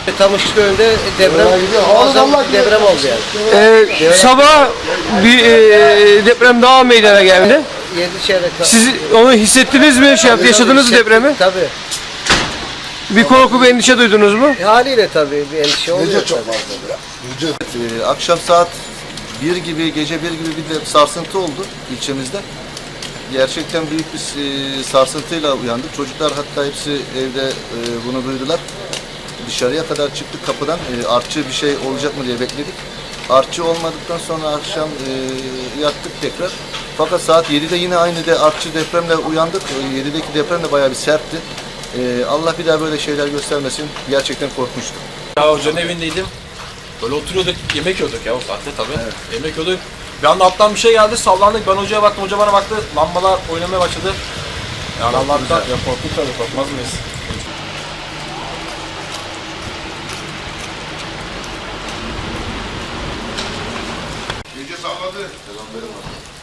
Tam Işıköy'ünde muazzam bir deprem oldu yani. Sabah bir deprem daha meydana geldi. 7 çeyrek. Siz onu hissettiniz mi? Yaşadınız mı depremi? Tabii. Bir korku, bir endişe duydunuz mu? Haliyle tabii bir endişe oluyor. Gece çok fazla ya. Akşam saat 1 gibi, gece 1 gibi bir de sarsıntı oldu ilçemizde. Gerçekten büyük bir sarsıntıyla uyandık. Çocuklar hatta hepsi evde bunu duydular. Dışarıya kadar çıktık kapıdan. Artçı bir şey olacak mı diye bekledik. Artçı olmadıktan sonra akşam yattık tekrar. Fakat saat 7'de yine aynı artçı depremle uyandık. 7'deki deprem de bayağı bir sertti. Allah bir daha böyle şeyler göstermesin. Gerçekten korkmuştum. Ya hocanın evindeydim. Böyle oturuyorduk, yemek yiyorduk ya o saatte tabii. Evet. Yemek yiyorduk. Bir anda alttan bir şey geldi, sallandık. Ben hocaya baktım, hoca bana baktı. Lambalar oynamaya başladı. Yani Allah'tan ya korktuk tabii, korkmaz mıyız? Gece salladı. Selam verin.